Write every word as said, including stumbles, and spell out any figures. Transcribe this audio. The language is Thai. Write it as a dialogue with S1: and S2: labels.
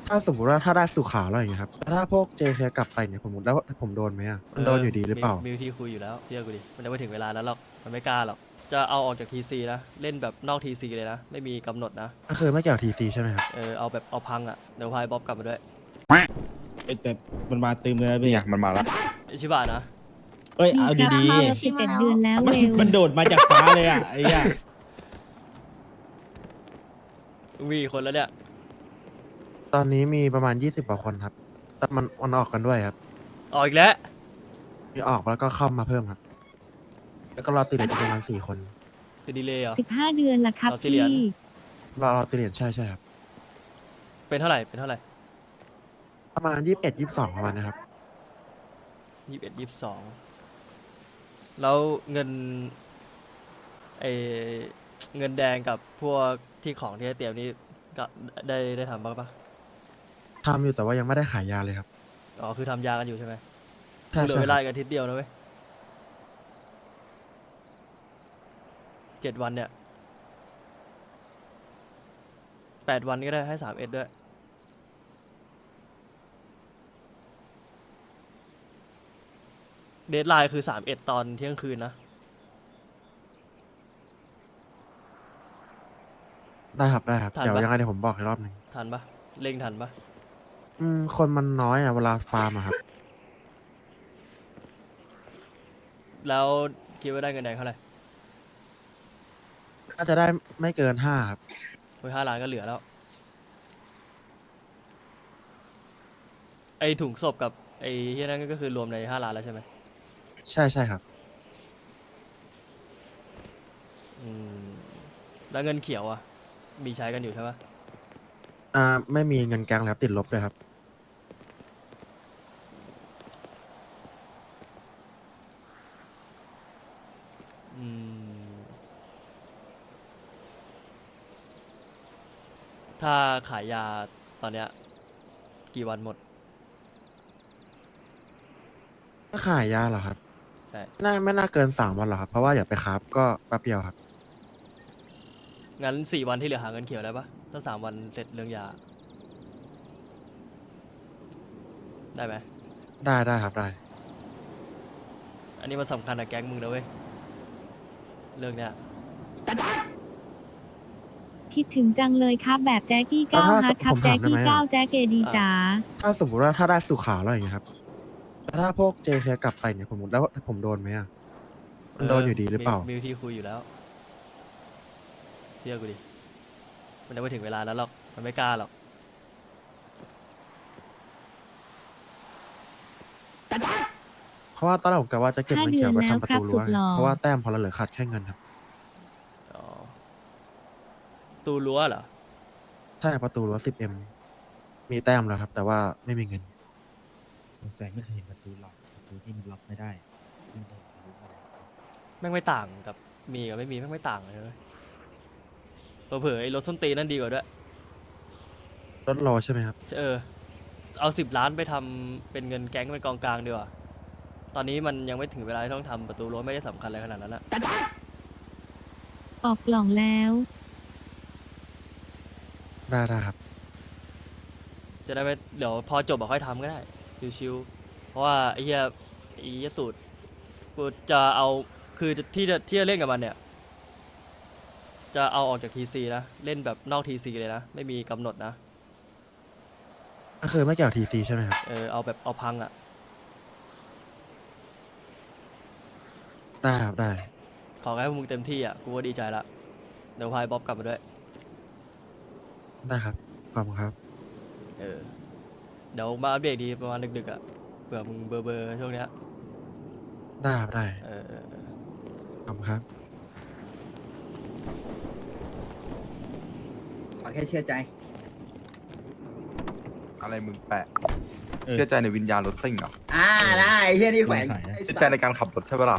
S1: ถ้าสมมติว่าถ้าได้สุขาแล้วอย่างเงี้ยครับแต่ถ้าพวกเจเคกลับไปเนี่ยผมแล้วผมโดนไหมอ่ะมันโดนอยู่ดีหรือเปล่า
S2: มีวิธีคุยอยู่แล้วเชื่อกูดิมันยังไม่ถึงเวลานั้นหรอกมันไม่กล้าหรอกจะเอาออกจากทีซีนะเล่นแบบนอกทีซีเลยนะไม่มีกำหนดนะ
S1: ก็คือไม่เกี่ยวทีซีใช่ไหมครับ
S2: เออเอาแบบเอาพังอ่ะเดี๋ยวพายบ๊อบกลับมาด้วย
S3: เอ้ยแต่มันมาตึมเลยนะพี่
S4: เนี่ยมันมาแล้ว
S2: ไอชิบะนะ
S3: เอ้ยเอาดี
S5: สิบเอ็ดเดือนแล้ว
S3: ๆมัน
S5: เร็ว
S3: มันโดดมาจากฟ้าเลยอ่ะไอ้เหี้ย
S2: มีกี่คนแล้วเนี่ย
S1: ตอนนี้มีประมาณยี่สิบกว่าคนครับ แต่มันมันออกกันด้วยครับ
S2: ออกอีกแล้ว
S1: มีออกแล้วก็เข้ามาเพิ่มครับ แล้วก็รอติดเหลืออีกประมาณสี่คน
S2: คือดีเลยเหรอ
S5: สิบห้าเดือนละครับ
S2: เราที่เหรี
S5: พี่
S2: ยญ
S1: รอรอติดเหรียญใช่ใช่ครับ
S2: เป็นเท่าไหร่เป็นเท่าไหร่
S1: ประมาณยี่สิบเอ็ดยี่สิบสองประมาณนะครับ
S2: ยี่สิบเอ็ดยี่สิบสองแล้วเงินไอเงินแดงกับพวกที่ของที่ให้เตรียมนี่ก็ได้ได้ทำบ้างปะ
S1: ทำอยู่แต่ว่ายังไม่ได้ขายยาเลยครับ
S2: อ๋อคือทำยากันอยู่ใช่ไหม
S1: ใช่
S2: เหลือ
S1: ใช่
S2: เว
S1: ค
S2: ลา
S1: รับ
S2: อีกอาทิตย์เดียวนะเว้ยเจ็ดวันเนี่ยแปดวันก็ได้ให้สามเอ็ดด้วยเดทไลน์คือสามเอ็ดตอนเที่ยงคืนนะ
S1: ได้ครับได้ครับ
S2: ทัน
S1: เดี๋ยว
S2: ปะ
S1: ยังไงเดี๋ยวผมบอกอีกรอบหนึ่ง
S2: ทันปะเร่งทันปะ
S1: อืมคนมันน้อยอ่ะเวลาฟาร์มอะครับ
S2: แล้วคิดว่าได้เงินแดงเท่าไหร่
S1: ก็จะได้ไม่เกินห้าครับ
S2: เฮ้ยห้าล้านก็เหลือแล้ว ไอถุงศพกับไอที่นั่นก็คือรวมในห้าล้านแล้วใช่ไหม
S1: ใช่ใช่ครับ
S2: อืมแล้วเงินเขียวอ่ะ มีใช้กันอยู่ใช่ปะ
S1: อ่าไม่มีเงินแกงแล้วติดลบเลยครับ
S2: อืมถ้าขายยาตอนเนี้ยกี่วันหมด
S1: ก็ขายยาเหรอครับ
S2: ใช่
S1: น่าไม่น่าเกินสามวันหรอกครับ เพราะว่าอย่าไปคราฟก็แป๊บเดียวครับ
S2: งั้นสี่วันที่เหลือหาเงินเขียวได้ปะถ้าสามวันเสร็จเรื่องยา ได้ไหม
S1: ได้ได้ครับได้
S2: อันนี้มันสำคัญกับแก๊งมึงนะเว้ย เรื่องเนี้ย
S5: คิดถึงจังเลยครับแบบแจ๊กกี้
S1: แล้ว
S5: เก้า
S1: ถ้า
S5: ฮัทครับ
S1: ผม
S5: แจ๊
S1: ถาก มได้
S5: กี้
S1: ไหมอะ
S5: เก้าแจ๊กเกดีจ๋า
S1: ถ้าสมมติว่าถ้าได้สุขาแล้วอย่างเงี้ยครับแต่ถ้าพวกเจเคกลับไปเนี่ยผมแล้วผมโดนไหมอ่ะมันโดนอยู่ดีหรือเปล่า
S2: มีวิธีคุยอยู่แล้ว เชื่อกูดิ มันยังไม่ถึงเวลานั้นหรอก มันไม่กล้าหรอก
S1: เพราะว่าตอนแรกผมกะว่าจะเก็บเงินเขียวไว้ทำประตูรั้ว
S5: ห้าเดือนแล้วครับสุดหล่อ
S1: เพราะว่าแต้มพอเราเหลือขาดแค่เงินครับ
S2: อ๋อ ตูรั้วเหรอ
S1: ใช่ประตูรั้วสิบเอ็มมีแต้มแล้วครับ แต่ว่าไม่มีเงิน
S3: สงสัยไม่เคยเห็นประตูล็อกประตูที่มันล็อกไม่ได้ที่มันโดนทะลุมาได้
S2: แม่งไม่ต่างกับมีกับไม่มีแม่งไม่ต่างเลยเว้ยเผลอๆไอ้รถส้นตีนนั่นดีกว่าด้วย
S1: รถรอใช่ไหมครับ
S2: เออ เอาสิบล้านไปทำเป็นเงินแก๊งเป็นกองกลางดีกว่า ตอนนี้มันยังไม่ถึงเวลาที่ต้องทำประตูรั้วไม่ได้สำคัญอะไรขนาดนั้นละ
S5: ออกกล่องแล้ว
S1: ได้ได้ครับ
S2: จะได้ไม่เดี๋ยวพอจบอะค่อยทำก็ได้ ชิวๆ เพราะว่าไอ้เหี้ยไอ้เหี้ยสูตรกูจะเอาคือที่จะที่จะเล่นกับมันเนี่ย จะเอาออกจากทีซีนะ เล่นแบบนอกทีซีเลยนะ ไม่มีกำหนดนะ
S1: ก็คือไม่เกี่ยวทีซีใช่ไหมครับ
S2: เออเอาแบบเอาพังอ่ะ
S1: ได้ครับได้
S2: ขอให้พวกมึงเต็มที่อ่ะ กูก็ดีใจละ เดี๋ยวพายบ๊อบกลับมาด้วย
S1: ได้ครับ ขอบคุณครับ
S2: เออ เดี๋ยวมาอัปเดตดีประมาณดึกๆอ่ะ เผื่อมึงเบอร์เบอร์ช่วงเนี้ย
S1: ได้ครับได้
S2: เออเออเออ
S1: ขอบคุณครับ
S6: ขอแค่เชื่อใจ
S4: อะไรมึงแปะ
S3: เออ
S4: เชื่อใจในวิญญาณรถซิ่งเหรอ
S6: อ่าได้ไอ้เฮียนี่แขวน
S3: สงสัยนะ
S6: ไอ้
S4: เชื่อ
S6: สั
S4: ใจ
S6: ตว์
S4: ในการขับรถใช่ปะล่ะ